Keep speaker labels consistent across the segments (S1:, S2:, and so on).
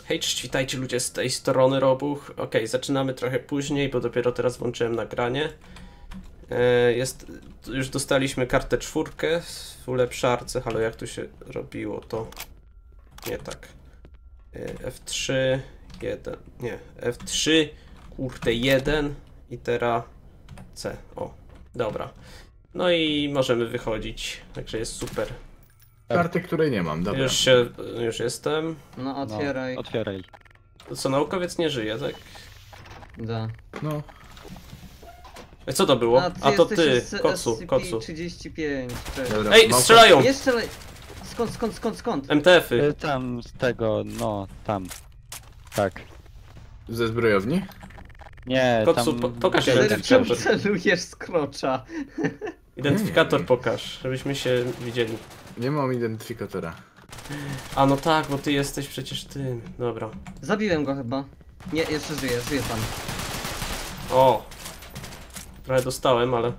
S1: Hej, cześć, witajcie ludzie z tej strony Robuch. Okej, zaczynamy trochę później, bo dopiero teraz włączyłem nagranie. Już dostaliśmy kartę 4 w ulepszarce. Halo, jak tu się robiło to? Nie tak. F3, 1, nie, F3, kurde 1 i teraz C. O, dobra. No i możemy wychodzić, także jest super.
S2: Karty, której nie mam, dobra.
S1: Już jestem.
S3: No otwieraj.
S4: No, otwieraj.
S1: To co, naukowiec nie żyje, tak?
S3: Da.
S2: No,
S1: Co to było? A to ty, Kocu.
S3: SCP-35. Cześć.
S2: dobra.
S1: Ej,
S2: mam-
S1: strzelają!
S3: Jeszcze skąd?
S1: MTF-y.
S4: Tam z tego, no, tam. Tak.
S2: Ze zbrojowni?
S4: Nie,
S1: Kocu,
S4: tam...
S1: pokaż
S3: Czemu
S1: identyfikator.
S3: celujesz z krocza?
S1: Identyfikator pokaż, żebyśmy się widzieli.
S2: Nie mam identyfikatora.
S1: A no tak, bo ty jesteś przecież tym. Dobra.
S3: Zabiłem go chyba. Nie, jeszcze żyje pan.
S1: O! Trochę dostałem, ale...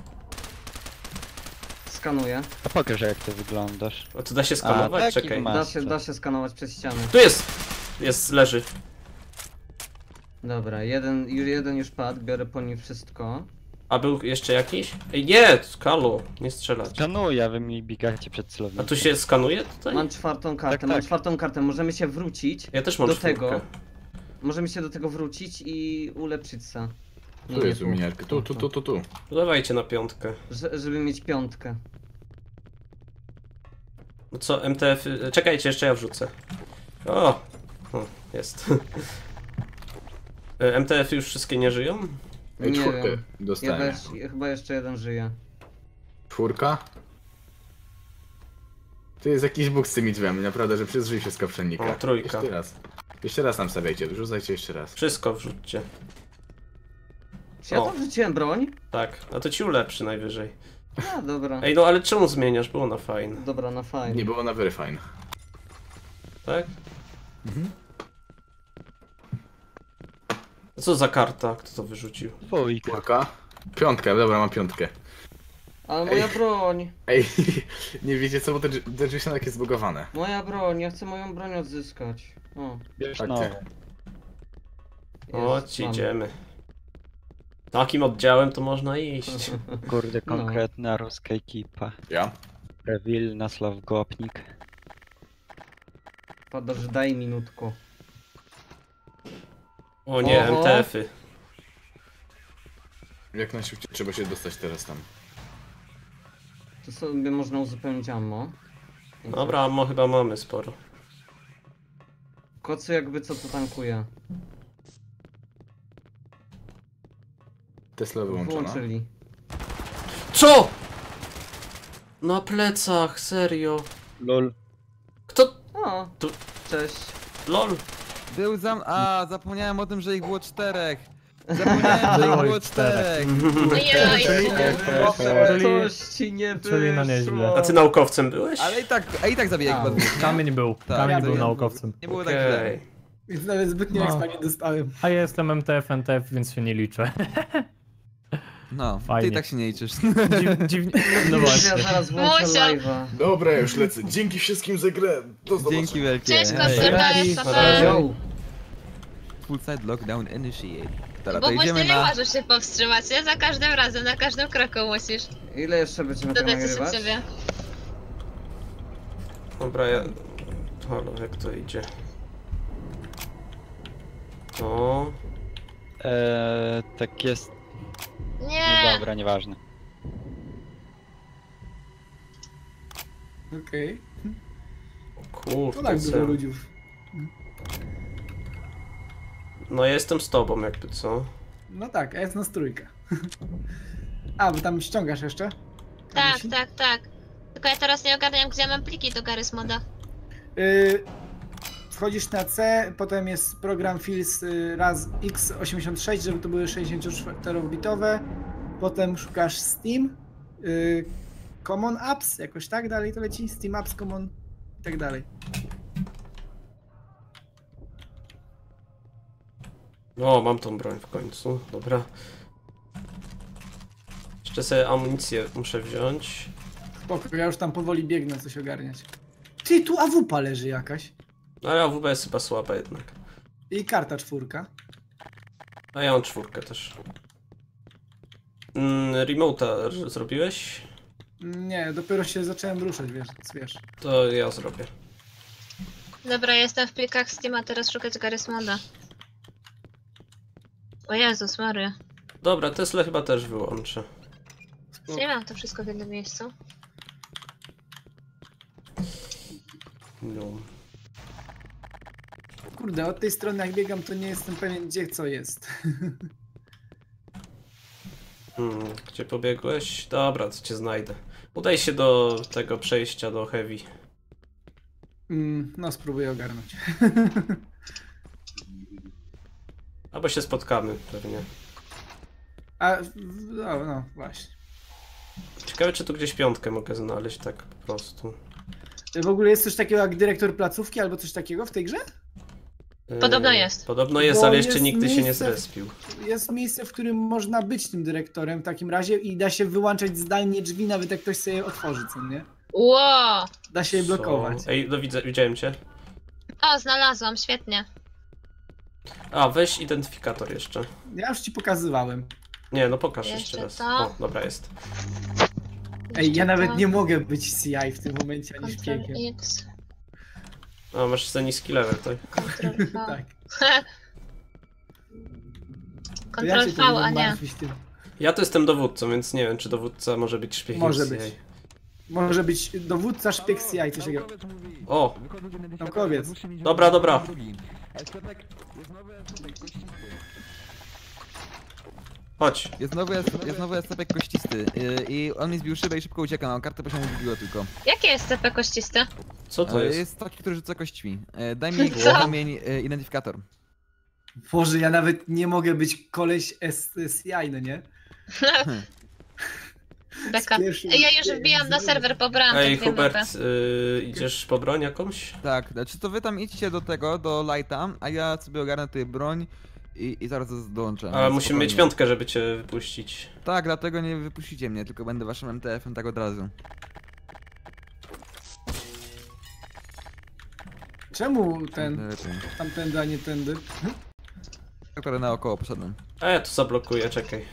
S3: Skanuję.
S4: A pokaż jak ty wyglądasz.
S1: A tu da się skanować?
S4: taki
S1: Czekaj.
S4: ma.
S3: Da się skanować przez ściany.
S1: Tu jest! Leży.
S3: Dobra, jeden już padł, biorę po nim wszystko.
S1: A był jeszcze jakiś? Ej, nie! Kalu, nie strzelać.
S4: Szanuję, a wy mi biegacie przed
S1: A
S4: celownikiem.
S1: tu się skanuje tutaj?
S3: Mam czwartą kartę,
S4: Tak,
S3: mam
S4: tak.
S3: czwartą kartę. Możemy się wrócić
S1: Ja też mam
S3: do
S1: czwórkę.
S3: tego. Możemy się do tego wrócić i ulepszyć se.
S2: Tu jest umiarka. Tu.
S1: Dawajcie na 5.
S3: Żeby mieć piątkę.
S1: No co, MTF... Czekajcie, jeszcze ja wrzucę. O! Jest. MTF już wszystkie nie żyją?
S2: Ej,
S3: Nie
S2: czwórkę
S3: wiem.
S2: dostałem.
S3: Chyba jeszcze jeden żyje.
S2: Czwórka? Tu jest jakiś bóg z tymi drzwiami, naprawdę, że przez drzwi się z kapszelnika.
S1: O, trójka.
S2: Jeszcze raz. Jeszcze raz nam stawiajcie, wrzucajcie jeszcze raz.
S1: Wszystko wrzućcie.
S3: Czy ja
S1: O.
S3: tam wrzuciłem broń?
S1: Tak, a to ci ulepszy najwyżej.
S3: A, dobra.
S1: Ej, no ale czemu zmieniasz? Było na fajne.
S3: Dobra, na fajnie.
S2: Nie było na very fine.
S1: Tak? A co za karta? Kto to wyrzucił?
S4: Dwójka.
S2: Czwórka? Piątka, dobra, mam piątkę.
S3: Ale moja broń!
S2: Ej, nie wiecie co, bo te drzwi są takie zbugowane.
S3: Moja broń, ja chcę moją broń odzyskać. O,
S4: Bierz
S2: Tak,
S4: nową.
S1: Chodź,
S3: mam.
S1: idziemy. Takim oddziałem to można iść.
S4: Kurde,
S3: No.
S4: konkretna ruska ekipa.
S2: Ja?
S4: Rewil, Nasław Gopnik.
S3: Padasz, daj minutku.
S1: O nie,
S3: Oho.
S1: MTF-y.
S2: Jak najszybciej trzeba się dostać teraz tam.
S3: Tu sobie można uzupełnić ammo.
S1: Dobra, ammo chyba mamy sporo.
S3: Kocu jakby co to tankuje.
S2: Tesla wyłączona.
S3: Włączyli.
S1: Co?! Na plecach, serio.
S4: Lol.
S1: Kto?
S3: O,
S1: Tu-
S3: cześć.
S1: LOL.
S5: Był zapomniałem o tym, że ich było 4. Zapomniałem, że ich było 4.
S6: Ojej,
S3: Coś ci nie wyszło.
S7: czyli no nieźle.
S1: A ty naukowcem byłeś?
S5: Ale i tak zabijaj chyba dwóch.
S7: Kamień był,
S5: Tak,
S7: kamień
S5: to
S7: był
S5: ja-
S7: naukowcem.
S5: Nie było tak źle.
S1: Okej.
S8: Więc nawet zbytnio
S7: No.
S8: expa nie dostałem.
S7: A ja jestem MTF, NTF, więc się nie liczę.
S5: No, ty
S7: Fajnie.
S5: i tak się nie liczysz.
S7: Dziwnie, no
S3: Ja
S7: właśnie.
S3: zaraz włączę
S6: Musiał.
S3: live'a.
S2: Dobra, ja już lecę. Dzięki wszystkim za grę. Do zobaczenia.
S5: Dzięki wielkie.
S6: Cześć,
S5: Hej.
S6: Kocu,
S1: Na
S6: pa,
S1: razie.
S3: Yo.
S5: Full side lockdown initiate. Dobra,
S6: Bo
S5: to
S6: właśnie
S5: idziemy
S6: nie
S5: na...
S6: możesz się powstrzymać, nie? Za każdym razem, na każdym kroku musisz
S3: Ile jeszcze będziemy to
S6: dodać coś od
S3: nagrywać?
S6: siebie.
S1: Dobra, ja... Halo, jak to idzie? No...
S4: Tak jest.
S6: Nie!
S4: No dobra, nieważne.
S8: Okej. To
S1: Kurde,
S8: tak dużo
S1: co?
S8: ludzi.
S1: No ja jestem z tobą jakby, co?
S8: No tak, a jest nas trójka. A, bo tam ściągasz jeszcze?
S6: Tak,
S8: Kamisi?
S6: tak. Tylko ja teraz nie ogarniam, gdzie ja mam pliki do Garry's Moda.
S8: Wchodzisz na C, potem jest program Fields raz x86, żeby to były 64-bitowe. Potem szukasz Steam, Common Apps, jakoś tak dalej to leci. Steam Apps, Common i tak dalej.
S1: No, mam tą broń w końcu, dobra. Jeszcze sobie amunicję muszę wziąć.
S8: Spoko, ja już tam powoli biegnę coś ogarniać. Ty, tu AWP leży jakaś.
S1: No ale AWP jest chyba słaba jednak.
S8: I karta 4.
S1: A ja mam 4 też. Remote'a zrobiłeś?
S8: Nie, dopiero się zacząłem ruszać, wiesz.
S1: To ja zrobię.
S6: Dobra, jestem w plikach Steama, teraz szukać Garry's Moda. O Jezus Maria.
S1: Dobra, Tesla chyba też wyłączę.
S6: Nie mam to wszystko w jednym miejscu.
S1: No.
S8: Kurde, od tej strony jak biegam, to nie jestem pewien, gdzie co jest.
S1: Gdzie pobiegłeś? Dobra, to cię znajdę. Udaj się do tego przejścia do Heavy.
S8: No, spróbuję ogarnąć.
S1: Albo się spotkamy pewnie.
S8: No, właśnie.
S1: Ciekawe, czy tu gdzieś 5 mogę znaleźć tak po prostu.
S8: W ogóle jest coś takiego jak dyrektor placówki albo coś takiego w tej grze?
S6: Podobno jest.
S1: Podobno jest,
S8: Bo
S1: ale jeszcze
S8: jest
S1: nigdy się nie
S8: miejsce-
S1: zrespił.
S8: Jest miejsce, w którym można być tym dyrektorem w takim razie i da się wyłączać zdalnie drzwi, nawet jak ktoś sobie je otworzy, co nie?
S6: Ło!
S8: Da się je blokować.
S1: Ej, no widziałem cię.
S6: O, znalazłam, świetnie.
S1: A, weź identyfikator jeszcze.
S8: Ja już ci pokazywałem.
S1: Nie, no pokaż
S6: Jeszcze
S1: jeszcze raz.
S6: to.
S1: O, dobra, jest.
S8: Ej, ja nawet nie mogę być CI w tym momencie ani
S6: Ctrl
S8: szpiegiem.
S6: X,
S1: A, masz za niski level, to...
S6: Ctrl V.
S8: Tak. To ja
S6: Ctrl
S8: się
S6: V,
S8: tu
S6: a
S8: będę
S6: nie.
S8: martwić tym.
S1: Ja to jestem dowódcą, więc nie wiem, czy dowódca może być szpiegiem
S8: Może
S1: CIA.
S8: być. Może być dowódca, szpieg CI, coś takiego.
S1: O,
S8: Naukowiec.
S1: dobra, dobra. Chodź.
S5: Jest nowy SCP kościsty i on mi zbił szybę i szybko ucieka, no kartę poziomu wybiło tylko.
S6: Jakie jest CP kościsty?
S1: Co to jest?
S5: Jest taki, który rzuca kośćmi. Daj mi
S6: Co?
S5: kamień identyfikator.
S8: Boże, ja nawet nie mogę być koleś CI, no nie?
S6: Beka.
S8: pierwszym-
S6: Ja już wbijam na serwer, pobrałam
S1: Ej,
S6: te dwie mapy.
S1: Hubert, idziesz po broń jakąś?
S5: Tak, znaczy to wy tam idźcie do tego, do lighta, a ja sobie ogarnę tutaj broń i zaraz dołączę.
S1: Ale
S5: więc
S1: musimy mieć
S5: spokojnie.
S1: 5, żeby cię wypuścić.
S5: Tak, dlatego nie wypuścicie mnie, tylko będę waszym MTF-em tak od razu.
S8: Czemu ten,
S5: Lepiej.
S8: tamtędy, a nie tędy?
S5: Akurat naokoło poszedłem.
S1: A ja tu zablokuję, czekaj.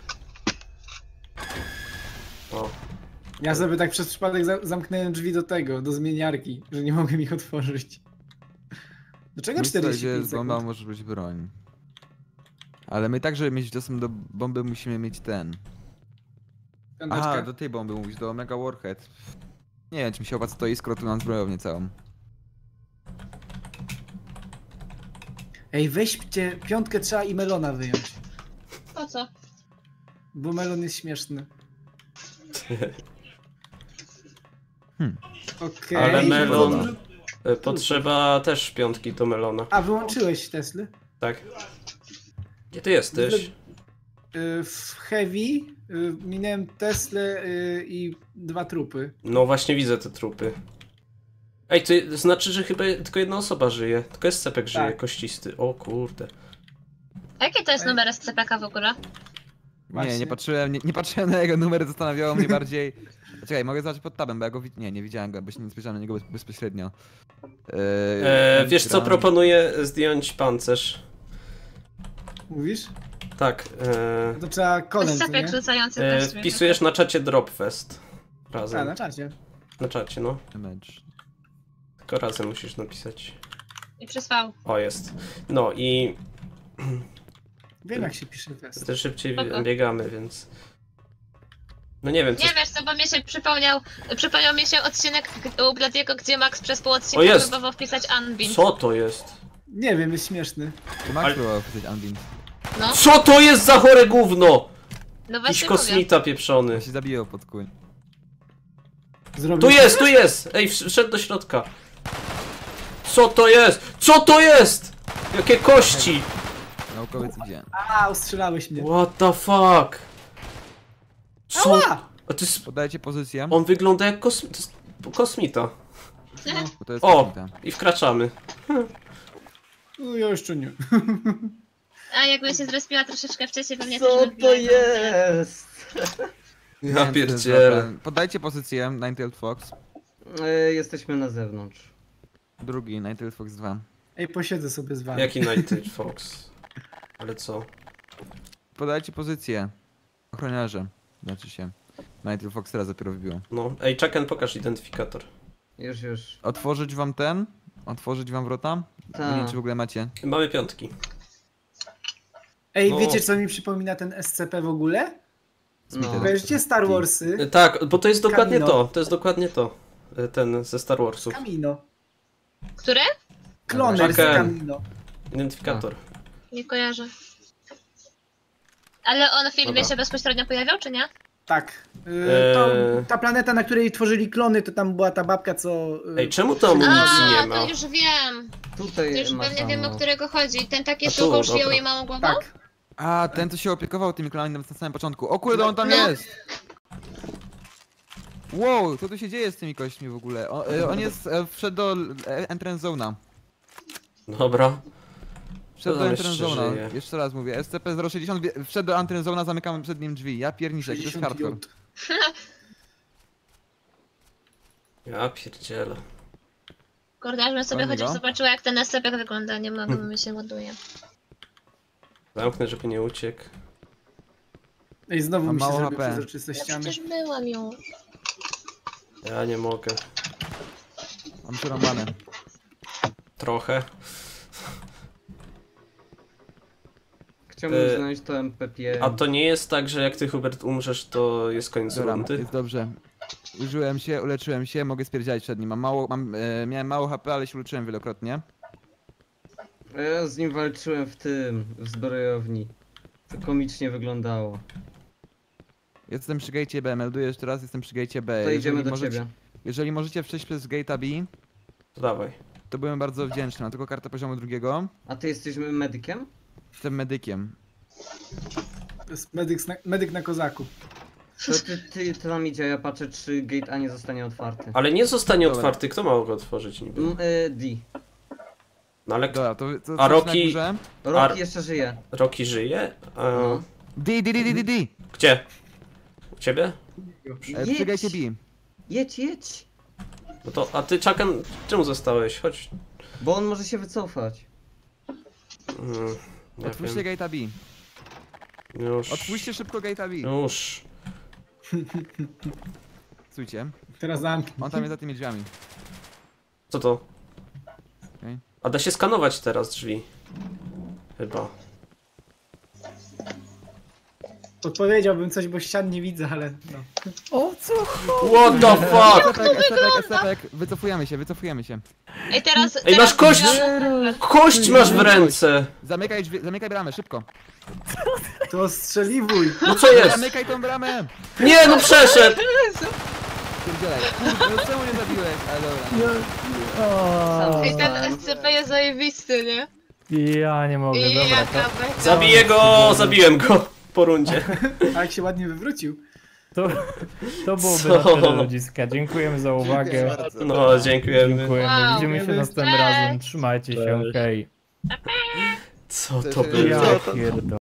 S1: O,
S8: Ja sobie tak przez przypadek zamknąłem drzwi do tego, do zmieniarki, że nie mogłem ich otworzyć. Dlaczego
S5: Miejsce, gdzie
S8: 45
S5: jest bomba,
S8: sekund?
S5: może być broń. Ale my także mieć dostęp do bomby musimy mieć ten.
S8: Piąteczka?
S5: Aha, do tej bomby mówisz, do Mega Warhead. Nie wiem, czy mi się opłaca to i skoro tu mam zbrojownię całą.
S8: Ej, weźcie, 5 trzeba i melona wyjąć,
S6: Po co?
S8: bo melon jest śmieszny. Okej.
S1: Ale melon...
S5: Podoba.
S1: Potrzeba też 5 do melona.
S8: A, wyłączyłeś Tesly?
S1: Tak. Gdzie ty jesteś?
S8: W Heavy minąłem Teslę i 2 trupy.
S1: No właśnie widzę te trupy. Ej, to znaczy, że chyba tylko jedna osoba żyje. Tylko SCP żyje,
S8: Tak.
S1: kościsty. O kurde.
S6: A jaki to jest numer SCP-ka w ogóle?
S8: Właśnie.
S5: Nie patrzyłem, nie patrzyłem na jego numer, zastanawiało mnie bardziej... Czekaj, mogę zobaczyć pod tabem, bo ja go nie widziałem go, bo się nie spojrzałem na niego bezpośrednio.
S1: Wiesz co,
S5: Gran-
S1: proponuję zdjąć pancerz.
S8: Mówisz?
S1: Tak.
S8: To trzeba kolem, co
S6: SCP
S8: nie?
S6: rzucający też.
S1: Wpisujesz na czacie Dropfest.
S8: A,
S1: Razem.
S8: na czacie.
S1: Na czacie, no.
S5: Damage.
S1: Tylko razem musisz napisać.
S6: I przysłał.
S1: O, jest. No i
S8: Wiem jak się pisze test.
S1: też szybciej
S6: Spoko.
S1: biegamy, więc... No nie wiem, co...
S6: Nie wiesz co, bo mi się przypomniał mi się odcinek u Bladiego, gdzie Max przez pół
S1: O,
S6: odcinka
S1: jest!
S6: próbował wpisać Unbind.
S1: Co to jest?
S8: Nie wiem, jest śmieszny.
S5: To Max
S1: Ale-
S5: próbował wpisać Unbind.
S6: No,
S1: Co to jest za chore gówno?
S6: no
S1: Jakiś
S6: właśnie mówię.
S1: kosmita pieprzony.
S5: On się zabijał pod kół.
S8: Zrobił
S1: Tu jest! Ej, wszedł do środka. Co to jest? Co to jest? Jakie kości?
S5: Naukowiec idzie.
S8: A, ustrzelałeś mnie.
S1: What the fuck? Co?
S8: Ała!
S1: A to jest...
S5: Podajcie pozycję,
S1: On wygląda jak kosmita.
S5: bo to jest
S1: O!
S5: kosmita.
S1: I wkraczamy.
S8: No, ja jeszcze nie.
S6: A jakbym się zrespiła troszeczkę wcześniej, pewnie
S3: Co
S6: też bym
S3: to
S6: wbiła.
S3: jest?
S5: Nie
S1: Ja
S5: wiem, co to jest
S1: pierdzielę.
S5: za- Podajcie pozycję, Ninetale Fox.
S3: Jesteśmy na zewnątrz.
S5: Drugi, Night Fox 2.
S8: Ej, posiedzę sobie z wami.
S1: Jaki Night Fox? Ale co?
S5: Podajcie pozycję. Ochroniarze. Znaczy się. Night Fox teraz dopiero wbiło.
S1: No. Ej, Chucken, pokaż identyfikator.
S3: Już.
S5: Otworzyć wam ten? Otworzyć wam wrota?
S3: Tak.
S5: Nie wiem, czy w ogóle macie.
S1: Mamy 5.
S8: Ej,
S1: No.
S8: wiecie co mi przypomina ten SCP w ogóle?
S3: No.
S8: Kojarzycie Star Warsy?
S1: Tak, bo to jest dokładnie
S8: Kamino.
S1: to. To jest dokładnie to. Ten ze Star Warsów.
S8: Kamino.
S6: Które?
S8: Kloner z
S1: Czekaj.
S8: Kamino.
S1: Identyfikator.
S6: Nie kojarzę. Ale on w filmie
S1: Dobra.
S6: się bezpośrednio pojawiał, czy nie?
S8: Tak.
S1: Eee.
S8: Ta planeta, na której tworzyli klony, to tam była ta babka, co...
S1: Ej, czemu to amunicji nie
S6: A,
S1: ma?
S6: to już wiem.
S3: Tutaj
S6: To już
S3: masz
S6: pewnie wiem, o
S3: ammo.
S6: którego chodzi. Ten taki
S1: A
S6: z
S1: tu,
S6: długą
S1: dobra.
S6: szyją i małą głową?
S8: Tak.
S5: A, ten co się opiekował tymi klonami na samym początku. O kurde, on tam
S6: No.
S5: jest! Wow, co tu się dzieje z tymi kośćmi w ogóle? On jest, wszedł do entrance zone'a.
S1: Dobra.
S5: Wszedł
S1: To
S5: do
S1: tam
S5: entrance
S1: jeszcze
S5: zone'a.
S1: żyje.
S5: Jeszcze raz mówię, SCP-060 wszedł do entrance zone'a, zamykamy przed nim drzwi. Ja pierniczę, to jest hardcore.
S1: Ja pierdzielę.
S6: Kurde, aż bym sobie
S5: Fajnego.
S6: chociaż zobaczyła, jak ten SCP wygląda. Nie mogę, mi się ładuje.
S1: Zamknę, żeby nie uciekł.
S8: Ej, znowu
S5: Mam
S8: mi się
S5: mało
S8: zrobił
S5: HP.
S8: przezroczyste
S6: Ja
S8: ściany.
S6: przecież byłam już.
S1: Ja nie mogę.
S5: Mam przerąbane.
S1: Trochę.
S3: Chciałbym
S1: E,
S3: znaleźć to MP5.
S1: A to nie jest tak, że jak ty, Hubert, umrzesz, to jest koniec
S5: Dobra,
S1: rundy?
S5: jest dobrze. Użyłem się, uleczyłem się, mogę spierdziać przed nim. Miałem mało HP, ale się uleczyłem wielokrotnie.
S3: A ja z nim walczyłem w zbrojowni. To komicznie wyglądało.
S5: Jestem przy gate'ie B, melduję jeszcze raz, jestem przy gate'ie B.
S3: To idziemy
S5: Jeżeli
S3: do
S5: możecie-
S3: ciebie.
S5: Jeżeli możecie przejść przez gate'a B,
S1: To dawaj.
S5: to byłem bardzo wdzięczny. Mam tylko kartę poziomu 2.
S3: A ty jesteś medykiem?
S5: Jestem medykiem.
S8: To jest medyk na kozaku.
S3: To ty tam idzie, ja patrzę czy gate A nie zostanie otwarty.
S1: Ale nie zostanie
S5: Dobra.
S1: otwarty, kto ma go otworzyć niby?
S3: D.
S1: No ale
S5: Dobra, to
S1: A
S5: coś
S1: Rocky-
S5: na górze.
S3: Rocky jeszcze żyje.
S1: Rocky żyje? A...
S3: No.
S5: D.
S1: Gdzie? U ciebie?
S5: Przy gate'ie B.
S3: Jedź.
S1: No to, a ty, Chucken, czemu zostałeś? Chodź.
S3: Bo on może się wycofać.
S1: Nie
S5: Otwórzcie
S1: wiem.
S5: gate'a B.
S1: Już.
S5: Otwórzcie szybko gate'a B.
S1: Już.
S5: Słuchajcie,
S8: Teraz zamknij.
S5: on tam jest za tymi drzwiami.
S1: Co to?
S5: Okej.
S1: A da się skanować teraz drzwi. Chyba.
S8: Odpowiedziałbym coś, bo ścian nie widzę, ale no.
S1: What the fuck?
S5: SCP, wycofujemy się.
S6: Ej, teraz...
S1: Ej, masz kość!
S6: teraz-
S1: Kość masz w ręce!
S5: Zamykaj drzwi, zamykaj bramę, szybko.
S8: To strzeliwuj.
S1: No co jest?
S5: Zamykaj tą bramę!
S1: Nie, no przeszedł!
S5: Pierdzielaj. Kurde, no czemu nie zabiłeś? Ale dobra.
S6: Ej, ten SCP jest zajebisty, nie?
S7: Ja nie mogę,
S6: I
S7: dobra,
S6: jaka
S7: to,
S6: beka.
S1: Zabiję go! Zabiłem go po rundzie.
S8: A jak się ładnie wywrócił.
S7: to byłoby
S1: Co?
S7: na tyle ludziska. Dziękujemy za uwagę.
S1: No, dziękujemy.
S7: Dziękujemy.
S6: Wow.
S7: Widzimy się
S8: Cześć.
S7: następnym razem. Trzymajcie się, okej.
S1: Co to było?
S7: Ja pierdolę.